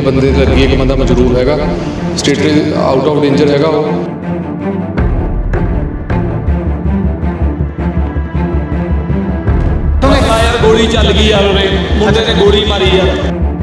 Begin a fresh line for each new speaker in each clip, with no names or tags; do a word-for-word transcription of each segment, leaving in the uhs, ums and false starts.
बंदे ते लगी, एक बंदा मजरूर हैगा, स्टेट आउट ऑफ डेंजर हैगा वो।
यार गोली चल गई यार, मुंडे ने गोली मारी यार।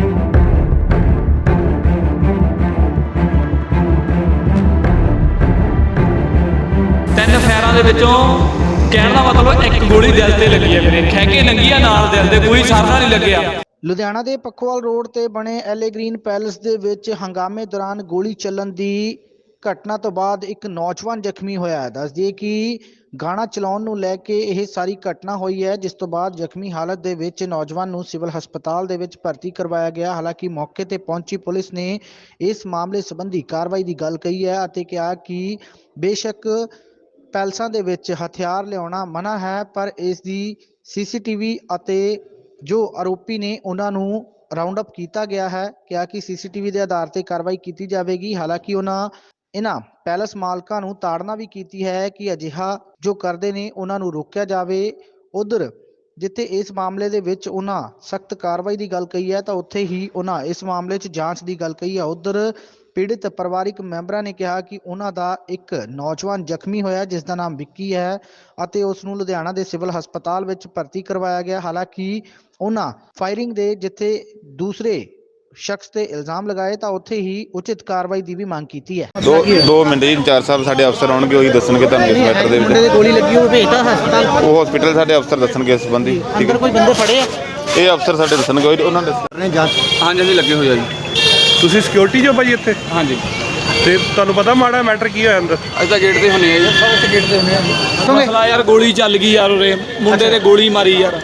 ਤਿੰਨ ਫੈਰਾਂ ਦੇ ਵਿੱਚੋਂ ਕਹਿਣ ਦਾ ਮਤਲਬ ਇੱਕ ਗੋਲੀ ਦਿਲ ਤੇ ਲੱਗੀ ਹੈ ਵੀਰੇ, ਖਹਿ ਕੇ ਲੰਗੀ ਆ ਨਾਲ ਦਿਲ ਦੇ, ਕੋਈ ਸਾਰਾ ਨਹੀਂ ਲੱਗਿਆ।
ਲੁਧਿਆਣਾ ਦੇ ਪੱਖੋਵਾਲ ਰੋਡ ਤੇ ਬਣੇ ਐਲੇ ਗ੍ਰੀਨ ਪੈਲੇਸ ਦੇ ਵਿੱਚ ਹੰਗਾਮੇ ਦੌਰਾਨ ਗੋਲੀ ਚੱਲਣ ਦੀ ਘਟਨਾ ਤੋਂ ਬਾਅਦ ਇੱਕ ਨੌਜਵਾਨ ਜ਼ਖਮੀ ਹੋਇਆ ਹੈ। ਦੱਸ ਦਈਏ ਕਿ ਗਾਣਾ ਚਲਾਉਣ ਨੂੰ ਲੈ ਕੇ ਇਹ ਸਾਰੀ ਘਟਨਾ ਹੋਈ ਹੈ, ਜਿਸ ਤੋਂ ਬਾਅਦ ਜ਼ਖਮੀ ਹਾਲਤ ਦੇ ਵਿੱਚ ਨੌਜਵਾਨ ਨੂੰ ਸਿਵਲ ਹਸਪਤਾਲ ਦੇ ਵਿੱਚ ਭਰਤੀ ਕਰਵਾਇਆ ਗਿਆ। ਹਾਲਾਂਕਿ ਮੌਕੇ ਤੇ ਪਹੁੰਚੀ ਪੁਲਿਸ ਨੇ ਇਸ ਮਾਮਲੇ ਸੰਬੰਧੀ ਕਾਰਵਾਈ ਦੀ ਗੱਲ ਕਹੀ ਹੈ ਅਤੇ ਕਿਹਾ ਕਿ ਬੇਸ਼ੱਕ ਪੈਲਸਾਂ ਦੇ ਵਿੱਚ ਹਥਿਆਰ ਲਿਆਉਣਾ ਮਨਾ ਹੈ, ਪਰ ਇਸ ਦੀ ਸੀਸੀਟੀਵੀ ਅਤੇ ਜੋ ਆਰੋਪੀ ਨੇ ਉਹਨਾਂ ਨੂੰ ਰਾਉਂਡ ਅਪ ਕੀਤਾ ਗਿਆ ਹੈ। ਕਿਹਾ ਕਿ ਸੀਸੀਟੀਵੀ ਦੇ ਆਧਾਰ ਤੇ ਕਾਰਵਾਈ ਕੀਤੀ ਜਾਵੇਗੀ। ਹਾਲਾਂਕਿ ਉਹਨਾਂ ਇਹਨਾਂ ਪੈਲਸ ਮਾਲਕਾਂ ਨੂੰ ਤਾੜਨਾ ਵੀ ਕੀਤੀ ਹੈ ਕਿ ਅਜਿਹਾ ਜੋ ਕਰਦੇ ਨੇ ਉਹਨਾਂ ਨੂੰ ਰੋਕਿਆ ਜਾਵੇ। ਉਧਰ ਜਿੱਥੇ ਇਸ ਮਾਮਲੇ ਦੇ ਵਿੱਚ ਉਹਨਾਂ ਸਖਤ ਕਾਰਵਾਈ ਦੀ ਗੱਲ ਕਹੀ ਹੈ, ਤਾਂ ਉੱਥੇ ਹੀ ਉਹਨਾਂ ਇਸ ਮਾਮਲੇ 'ਚ ਜਾਂਚ ਦੀ ਗੱਲ ਕਹੀ ਹੈ। ਉਧਰ ਪੀੜਿਤ ਪਰਿਵਾਰਿਕ ਮੈਂਬਰਾਂ ਨੇ ਕਿਹਾ ਕਿ ਉਹਨਾਂ ਦਾ ਇੱਕ ਨੌਜਵਾਨ ਜ਼ਖਮੀ ਹੋਇਆ ਜਿਸ ਦਾ ਨਾਮ ਵਿੱਕੀ ਹੈ ਅਤੇ ਉਸ ਨੂੰ ਲੁਧਿਆਣਾ ਦੇ ਸਿਵਲ ਹਸਪਤਾਲ ਵਿੱਚ ਭਰਤੀ ਕਰਵਾਇਆ ਗਿਆ। ਹਾਲਾਂਕਿ ਉਹਨਾਂ ਫਾਇਰਿੰਗ ਦੇ ਜਿੱਥੇ ਦੂਸਰੇ ਸ਼ਖਸ ਤੇ ਇਲਜ਼ਾਮ ਲਗਾਏ ਤਾਂ ਉੱਥੇ ਹੀ ਉਚਿਤ ਕਾਰਵਾਈ ਦੀ ਵੀ ਮੰਗ ਕੀਤੀ ਹੈ।
ਦੋ ਦੋ ਮਿੰਟ ਜੀ, ਇੰਚਾਰਜ ਸਾਹਿਬ ਸਾਡੇ ਅਫਸਰ ਆਉਣਗੇ, ਉਹੀ ਦੱਸਣਗੇ ਤੁਹਾਨੂੰ ਇਸ ਮੈਟਰ ਦੇ
ਮੁੰਡੇ
ਵਿੱਚ।
ਦੀ ਗੋਲੀ ਲੱਗੀ ਉਹ ਭੇਜਤਾ ਹਸਪਤਾਲ,
ਉਹ ਹਸਪੀਟਲ ਸਾਡੇ ਅਫਸਰ ਦੱਸਣਗੇ ਇਸ ਸੰਬੰਧੀ। ਠੀਕ
ਅੰਦਰ
ਹੈ,
ਕੋਈ ਬੰਦੇ ਫੜੇ ਆ?
ਇਹ ਅਫਸਰ ਸਾਡੇ ਦੱਸਣਗੇ, ਉਹੀ- ਉਹਨਾਂ ਨੇ ਦੱਸਣੇ ਜਾਂਚ।
हाँ जी लगे हुए जी।
ਤੁਸੀਂ ਸਿਕਿਉਰਿਟੀ ਜੋ ਭਾਜੀ ਇੱਥੇ
हाँ जी
ਤੇ ਤੁਹਾਨੂੰ ਪਤਾ ਮਾੜਾ ਮੈਟਰ ਕੀ ਹੋਇਆ ਅੰਦਰ?
अस गेट से होने जी, सब गेट से होने।
ਮਸਲਾ ਯਾਰ ਗੋਲੀ ਚੱਲ ਗਈ ਯਾਰ, ਉਰੇ ਮੁੰਡੇ ਨੇ ਗੋਲੀ ਮਾਰੀ ਯਾਰ।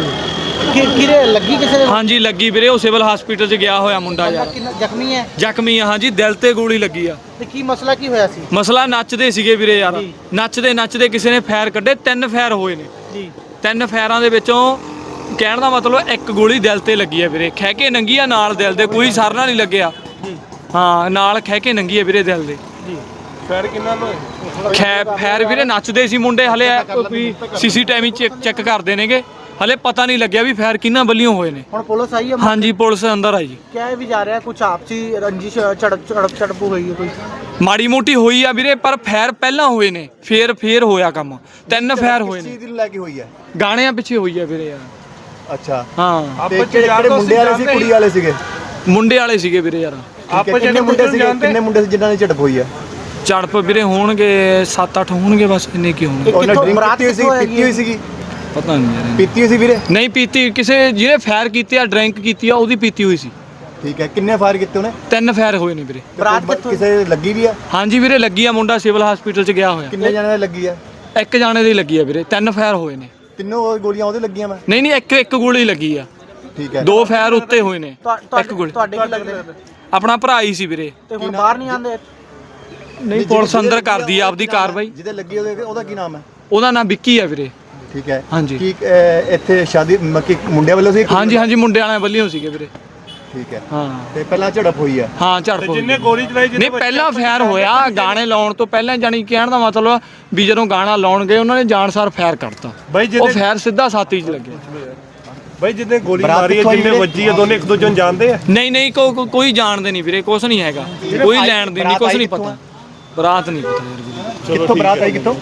ਕਿ ਕਿਰੇ ਲੱਗੀ ਕਿਸੇ ਦੇ?
ਹਾਂਜੀ ਲੱਗੀ ਵੀਰੇ, ਉਹ ਸਿਵਲ ਹਸਪੀਟਲ 'ਚ ਗਿਆ ਹੋਇਆ ਮੁੰਡਾ ਯਾਰ,
ਕਿੰਨਾ ਜ਼ਖਮੀ ਹੈ?
ਜ਼ਖਮੀ ਆ ਹਾਂਜੀ, ਦਿਲ ਤੇ ਗੋਲੀ ਲੱਗੀ ਆ।
ਤੇ ਕੀ ਮਸਲਾ ਕੀ ਹੋਇਆ ਸੀ?
ਮਸਲਾ ਨੱਚਦੇ ਸੀਗੇ ਵੀਰੇ ਯਾਰ, ਨੱਚਦੇ ਨੱਚਦੇ ਕਿਸੇ ਨੇ ਫਾਇਰ ਕੱਢੇ, ਤਿੰਨ ਫਾਇਰ ਹੋਏ ਨੇ
ਜੀ।
ਤਿੰਨ ਫਾਇਰਾਂ ਦੇ ਵਿੱਚੋਂ ਕਹਿਣ ਦਾ ਮਤਲਬ ਇੱਕ ਗੋਲੀ ਦਿਲ ਤੇ ਲੱਗੀ ਹੈ ਵੀਰੇ, ਖਹਿ ਕੇ ਨੰਗੀ ਆ ਨਾਲ ਦਿਲ ਦੇ, ਕੋਈ ਸਰਨਾ ਨਹੀਂ ਲੱਗਿਆ। ਹਾਂ ਨਾਲ ਖਹਿ ਕੇ ਨੰਗੀ ਹੈ ਵੀਰੇ ਦਿਲ ਦੇ।
ਫੈਰ ਕਿੰਨਾ ਨੂੰ
ਖੈ ਫੈਰ ਵੀਰੇ ਨੱਚਦੇ ਸੀ ਮੁੰਡੇ, ਹਲੇ ਕੋਈ ਸੀਸੀਟੀਵੀ ਚੈੱਕ ਚੈੱਕ ਕਰਦੇ ਨੇਗੇ, ਹਲੇ ਪਤਾ ਨਹੀਂ ਲੱਗਿਆ ਵੀ ਫੈਰ ਕਿੰਨਾ ਵੱਲੋਂ ਹੋਏ ਨੇ।
ਹੁਣ ਪੁਲਿਸ ਆਈ ਹੈ?
ਹਾਂਜੀ ਪੁਲਿਸ ਅੰਦਰ ਆਈ ਜੀ।
ਕਿਹਾ ਵੀ ਜਾ ਰਿਹਾ ਕੁਝ ਆਪਸੀ ਰੰਜਿਸ਼ ਝੜਪ ਝੜਪ ਝੜਪ ਹੋਈ ਹੈ ਕੋਈ?
ਮਾੜੀ ਮੋਟੀ ਹੋਈ ਆ ਵੀਰੇ, ਪਰ ਫੈਰ ਪਹਿਲਾਂ ਹੋਏ ਨੇ, ਫੇਰ ਫੇਰ ਹੋਇਆ ਕੰਮ। ਤਿੰਨ ਫੈਰ ਹੋਏ ਨੇ।
ਚੀਜ਼ ਨੂੰ ਲੈ ਕੇ ਹੋਈ ਹੈ?
ਗਾਣਿਆਂ ਪਿੱਛੇ ਹੋਈ ਆ ਵੀਰੇ ਯਾਰ।
ਅੱਛਾ,
ਹਾਂ
ਤੇ ਕਿਹੜੇ ਮੁੰਡੇ ਵਾਲੇ ਸੀ ਕੁੜੀ ਵਾਲੇ ਸੀਗੇ?
ਮੁੰਡੇ ਵਾਲੇ ਸੀਗੇ ਵੀਰੇ ਯਾਰ।
ਆਪਸ ਕਿੰਨੇ ਮੁੰਡੇ ਸੀਗੇ? ਕਿੰਨੇ ਮੁੰਡੇ ਸੀ ਜਿਨ੍ਹਾਂ ਨੇ ਝੜਪ ਹੋਈ ਹੈ?
ਝੜਪ ਵੀਰੇ ਹੋਣਗੇ ਸੱਤ ਅੱਠ ਹੋਣਗੇ, ਬਸ ਇੰਨੇ ਕੀ ਹੋਣਗੇ।
ਉਹਨਾਂ ਡਰਿੰਕ ਕੀਤੀ ਹੋਈ ਸੀ? ਪੀਤੀ ਹੋਈ ਸੀਗੀ?
ਪਤਾ ਨਹੀਂ ਯਾਰ,
ਪੀਤੀ ਹੋਈ ਸੀ ਵੀਰੇ?
ਨਹੀਂ ਪੀਤੀ, ਕਿਸੇ ਜਿਹਨੇ ਫਾਇਰ ਕੀਤੀ ਆ ਡਰਿੰਕ ਕੀਤੀ ਆ ਉਹਦੀ ਪੀਤੀ ਹੋਈ ਸੀ।
ਠੀਕ ਹੈ, ਕਿੰਨੇ ਫਾਇਰ ਕੀਤੇ ਉਹਨੇ?
ਤਿੰਨ ਫਾਇਰ ਹੋਏ ਨੇ ਵੀਰੇ।
ਬਰਾਤ ਕਿੱਥੋਂ? ਕਿਸੇ ਲੱਗੀ ਵੀ ਆ?
ਹਾਂਜੀ ਵੀਰੇ ਲੱਗੀ ਆ, ਮੁੰਡਾ ਸਿਵਲ ਹਸਪੀਟਲ 'ਚ ਗਿਆ ਹੋਇਆ।
ਕਿੰਨੇ ਜਣਿਆਂ ਦੀ ਲੱਗੀ ਆ?
ਇੱਕ ਜਾਣੇ ਦੀ ਲੱਗੀ ਆ ਵੀਰੇ, ਤਿੰਨ ਫਾਇਰ ਹੋਏ ਨੇ।
ਤਿੰਨੋਂ ਗੋਲੀਆਂ ਉਹਦੇ ਲੱਗੀਆਂ? ਮੈਂ
ਨਹੀਂ ਨਹੀਂ ਇੱਕ ਇੱਕ ਗੋਲੀ ਲੱਗੀ ਆ,
ਠੀਕ ਹੈ।
ਦੋ ਫਾਇਰ ਉੱਤੇ ਹੋਏ ਨੇ, ਇੱਕ ਗੋਲੀ।
ਤੁਹਾਡੇ ਕੀ ਲੱਗਦੇ?
ਆਪਣਾ ਭਰਾ ਹੀ ਸੀ ਵੀਰੇ।
ਤੇ ਹੁਣ ਬਾਹਰ ਨਹੀਂ ਆਉਂਦੇ?
ਨਹੀਂ ਪੁਲਿਸ ਅੰਦਰ ਕਰਦੀ ਆ ਆਪਦੀ ਕਾਰਵਾਈ।
ਜਿਹਦੇ ਲੱਗੀ ਉਹਦੇ ਉਹਦਾ ਕੀ ਨਾਮ ਹੈ?
ਉਹਦਾ ਨਾਮ ਵਿੱਕੀ ਆ ਵੀਰੇ।
ਠੀਕ ਹੈ।
ਹਾਂਜੀ।
ਕੀ ਅਹ, ਇੱਥੇ ਸ਼ਾਦੀ ਮੱਕੀ ਮੁੰਡਿਆਂ ਵੱਲੋਂ ਸੀ?
ਹਾਂਜੀ ਹਾਂਜੀ ਮੁੰਡੇ ਵਾਲਿਆਂ ਵੱਲੋਂ ਸੀਗੇ ਵੀਰੇ।
ਠੀਕ ਹੈ।
ਹਾਂ
ਤੇ ਪਹਿਲਾਂ ਝੜਪ ਹੋਈ ਹੈ?
ਹਾਂ ਝੜਪ ਹੋਈ।
ਜਿੰਨੇ ਗੋਲੀ ਚਲਾਈ ਜਿਹਨੇ
ਨਹੀਂ ਪਹਿਲਾਂ ਫਾਇਰ ਹੋਇਆ, ਗਾਣੇ ਲਾਉਣ ਤੋਂ ਪਹਿਲਾਂ, ਜਾਨੀ ਕਹਿਣ ਦਾ ਮਤਲਬ ਵੀ ਜਦੋਂ ਗਾਣਾ ਲਾਉਣ ਗਏ ਉਹਨਾਂ ਨੇ ਜਾਣਸਾਰ ਫਾਇਰ ਕਰਤਾ।
ਬਾਈ
ਉਹ
ਜਿਹਨੇ
ਫਾਇਰ ਸਿੱਧਾ ਛਾਤੀ 'ਚ ਲੱਗਿਆ।
ਬਾਈ ਜਿਹਨੇ ਗੋਲੀ
ਬਰਾਤ
ਮਾਰੀ ਹੈ,
ਕਿੱਥੋਂ ਆਈ
ਜਿੰਨੇ
ਵੀਰੇ?
ਵੱਜੀ ਹੈ, ਦੋਨੇ ਇੱਕ ਦੂਜੇ ਨੂੰ ਜਾਣਦੇ ਆ?
ਨਹੀਂ ਨਹੀਂ ਕੋ ਕੋ- ਕੋਈ ਜਾਣਦੇ ਨਹੀਂ ਵੀਰੇ, ਕੁਛ ਨਹੀਂ ਹੈਗਾ, ਕੋਈ ਲੈਣ ਦੀ ਨਹੀਂ, ਕੁਛ ਨਹੀਂ ਪਤਾ। ਬਰਾਤ ਨਹੀਂ ਪਤਾ ਯਾਰ ਵੀਰੇ।
ਕਿੱਥੋਂ ਬਰਾਤ ਆਈ? ਕਿੱਥੋਂ?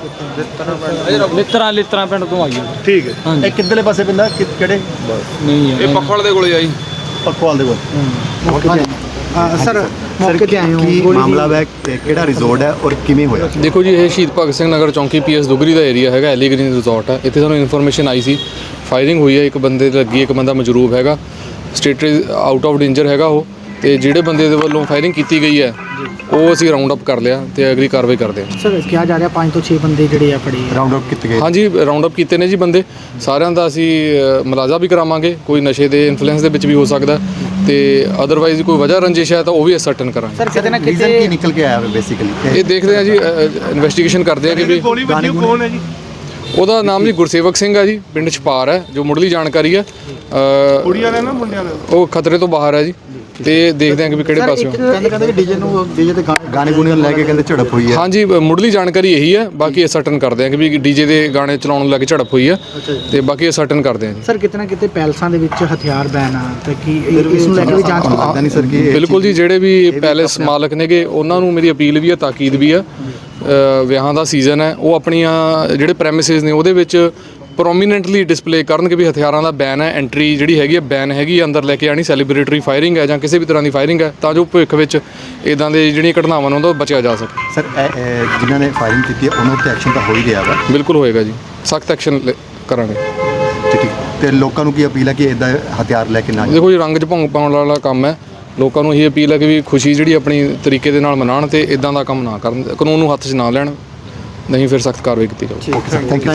ਲਿੱਤਰਾਂ ਲਿੱਤਰਾਂ ਪਿੰਡ ਤੋਂ ਆਈ ਆ।
ਠੀਕ ਹੈ।
ਹਾਂਜੀ
ਇਹ ਕਿੱਧਰਲੇ ਪਾਸੇ ਪੈਂਦਾ? ਕਿ- ਕਿਹੜੇ?
ਨਹੀਂ ਯਾਰ
ਇਹ ਪੱਖਵਾਲ ਦੇ ਕੋਲੇ ਆਈ।
ਪੱਖਵਾਲ ਦੇ ਕੋਲ?
ਸਰ ਮੌਕੇ ਤੇ ਆਏ ਹੋ?
ਕੀ ਮਾਮਲਾ ਹੈ? ਕਿਹੜਾ ਰਿਜ਼ੋਰਟ ਹੈ ਔਰ ਕਿਵੇਂ ਹੋਇਆ?
ਦੇਖੋ ਜੀ, ਇਹ ਸ਼ਹੀਦ ਭਗਤ ਸਿੰਘ ਨਗਰ ਚੌਂਕੀ ਪੀਐਸ ਦੁਗਰੀ ਦਾ ਏਰੀਆ ਹੈਗਾ, ਐਲੀ ਗ੍ਰੀਨ ਰਿਜ਼ੋਰਟ ਹੈ। ਇੱਥੇ ਸਾਨੂੰ ਇਨਫੋਰਮੇਸ਼ਨ ਆਈ ਸੀ, ਫਾਇਰਿੰਗ ਹੋਈ ਹੈ, ਇੱਕ ਬੰਦੇ ਤੇ ਲੱਗੀ, ਇੱਕ ਬੰਦਾ ਮਜਰੂਬ ਹੈਗਾ, ਸਟੇਟ ਆਊਟ ਆਫ ਡੇਂਜਰ ਹੈਗਾ ਉਹ। ਤੇ ਜਿਹੜੇ ਬੰਦੇ ਦੇ ਵੱਲੋਂ ਫਾਇਰਿੰਗ ਕੀਤੀ ਗਈ ਹੈ ਉਹ ਅਸੀਂ ਰਾਉਂਡ ਅਪ ਕਰ ਲਿਆ ਤੇ ਅਗਲੀ ਕਾਰਵਾਈ ਕਰਦੇ ਹਾਂ।
ਸਰ ਕਿਹਾ ਜਾ ਰਿਹਾ ਪੰਜ ਤੋਂ ਛੇ ਬੰਦੇ ਜਿਹੜੇ ਆ ਫੜੇ
ਰਾਉਂਡ ਅਪ ਕੀਤੇ ਗਏ?
ਹਾਂਜੀ ਰਾਉਂਡ ਅਪ ਕੀਤੇ ਨੇ ਜੀ ਬੰਦੇ ਸਾਰਿਆਂ ਦਾ। ਅਸੀਂ ਅ, ਮੁਲਾਜ਼ਾ ਵੀ ਕਰਾਵਾਂਗੇ, ਕੋਈ ਨਸ਼ੇ ਦੇ ਇਨਫਲੂਐਂਸ ਦੇ ਵਿੱਚ ਵੀ ਹੋ ਸਕਦਾ ਤੇ ਅਦਰਵਾਈਜ਼ ਕੋਈ ਵਜ੍ਹਾ ਰੰਜਿਸ਼ ਹੈ ਤਾਂ ਉਹ ਵੀ ਅਸਰਟਨ ਕਰਾਂਗੇ।
ਸਰ ਕਿਤੇ ਨਾ
ਰੀਜ਼ਨ
ਕਿਤੇ
ਕੀ ਨਿਕਲ ਕੇ ਆਇਆ ਬੇਸਿਕਲੀ?
ਇਹ ਦੇਖਦੇ ਹਾਂ ਜੀ, ਇਨਵੈਸਟੀਗੇਸ਼ਨ ਕਰਦੇ ਹਾਂ ਕਿ ਵੀ
ਗੋਲੀ ਵੱਜੀ ਉਹ ਕੌਣ ਹੈ ਜੀ?
ਉਹਦਾ ਨਾਮ ਜੀ ਗੁਰਸੇਵਕ ਸਿੰਘ ਹੈ ਜੀ, ਪਿੰਡ ਛਪਾਰ ਹੈ, ਜੋ ਮੁੱਢਲੀ ਜਾਣਕਾਰੀ ਹੈ। ਅ,
ਕੁੜੀ ਵਾਲੇ ਨਾ ਮੁੰਡਿਆਂ ਵਾਲੇ?
ਉਹ ਖਤਰੇ ਤੋਂ ਬਾਹਰ ਹੈ ਜੀ, ਤੇ ਦੇਖਦੇ ਹਾਂ ਕਿ ਵੀ ਕਿਹੜੇ ਪਾਸਿਓਂ।
ਕਹਿੰਦੇ ਕਹਿੰਦੇ ਕਿ ਡੀਜੇ ਨੂੰ ਡੀਜੇ ਤੇ ਗਾ- ਗਾਣੇ ਗੁਣੇ ਨੂੰ ਲੈ ਕੇ ਕਹਿੰਦੇ ਝੜਪ ਹੋਈ ਹੈ।
ਹਾਂਜੀ ਬ- ਮੁੱਢਲੀ ਜਾਣਕਾਰੀ ਇਹੀ ਹੈ, ਬਾਕੀ ਇਹ ਸਰਟਨ ਕਰਦੇ ਹਾਂ ਕਿ ਵੀ ਡੀਜੇ ਦੇ ਗਾਣੇ ਚਲਾਉਣ ਨੂੰ ਲੈ ਕੇ ਝੜਪ ਹੋਈ ਹੈ ਤੇ ਬਾਕੀ ਇਹ ਸਰਟਨ ਕਰਦੇ ਹਾਂ ਜੀ।
ਸਰ ਕਿਤੇ ਨਾ ਕਿਤੇ ਪੈਲਸਾਂ ਦੇ ਵਿੱਚ ਹਥਿਆਰ ਬੈਨ ਆ ਤੇ ਕੀ ਇਸ ਨੂੰ ਲੈ ਕੇ ਵੀ ਜਾਂਚ
ਤੁਹਾਨੂੰ ਲੱਗਦਾ ਨਹੀਂ ਸਰ ਕਿ ਇਹ
ਬਿਲਕੁਲ ਜੀ, ਜਿਹੜੇ ਵੀ ਪੈਲੇਸ ਮਾਲਕ ਨੇਗੇ ਉਹਨਾਂ ਨੂੰ ਮੇਰੀ ਅਪੀਲ ਵੀ ਹੈ, ਤਾਕੀਦ ਵੀ ਹੈ। ਅ, ਵਿਆਹਾਂ ਦਾ ਸੀਜ਼ਨ ਹੈ, ਉਹ ਆਪਣੀਆਂ ਜਿਹੜੇ ਪ੍ਰੈਮਿਸਿਸ ਨੇ ਉਹਦੇ ਵਿੱਚ ਪ੍ਰੋਮੀਨੈਂਟਲੀ ਡਿਸਪਲੇ ਕਰਨ ਕਿ ਵੀ ਹਥਿਆਰਾਂ ਦਾ ਬੈਨ ਹੈ, ਐਂਟਰੀ ਜਿਹੜੀ ਹੈਗੀ ਹੈ ਬੈਨ ਹੈਗੀ ਹੈ, ਅੰਦਰ ਲੈ ਕੇ ਆਣੀ ਸੈਲੀਬ੍ਰੇਟਰੀ ਫਾਇਰਿੰਗ ਹੈ ਜਾਂ ਕਿਸੇ ਵੀ ਤਰ੍ਹਾਂ ਦੀ ਫਾਇਰਿੰਗ ਹੈ, ਤਾਂ ਜੋ ਭਵਿੱਖ ਵਿੱਚ ਇਦਾਂ ਦੇ ਜਿਹੜੀਆਂ ਘਟਨਾਵਾਂ ਨੇ ਉਹਨਾਂ ਤੋਂ ਬਚਿਆ ਜਾ ਸਕੇ।
ਸਰ ਇਹ- ਇਹ ਜਿਨ੍ਹਾਂ ਨੇ ਫਾਇਰਿੰਗ ਕੀਤੀ ਹੈ ਉਹਨਾਂ ਉੱਤੇ ਐਕਸ਼ਨ ਤਾਂ ਹੋ ਹੀ ਰਿਹਾ ਵਾ।
ਬਿਲਕੁਲ ਹੋਏਗਾ ਜੀ, ਸਖਤ ਐਕਸ਼ਨ ਕਰਾਂਗੇ।
ਠੀਕ ਠੀਕ ਤੇ ਲੋਕਾਂ ਨੂੰ ਕੀ ਅਪੀਲ ਹੈ ਕਿ ਇਦਾਂ ਹਥਿਆਰ ਲੈ ਕੇ ਨਾ ਜਾਣ।
ਦੇਖੋ ਜੀ, ਰੰਗ 'ਚ ਭੰਗ ਪਾਉਣ ਵਾਲਾ ਕੰਮ ਹੈ। ਲੋਕਾਂ ਨੂੰ ਇਹ ਅਪੀਲ ਹੈ ਕਿ ਵੀ ਖੁਸ਼ੀ ਜਿਹੜੀ ਆਪਣੀ ਤਰੀਕੇ ਦੇ ਨਾਲ ਮਨਾਉਣ ਤੇ ਇਦਾਂ ਦਾ ਕੰਮ ਨਾ ਕਰਨ, ਕਾਨੂੰਨ ਨੂੰ ਹੱਥ 'ਚ ਨਾ ਲੈਣ, ਨਹੀਂ ਫਿਰ ਸਖਤ ਕਾਰਵਾਈ ਕੀਤੀ ਜਾਊਗੀ।
Thank you.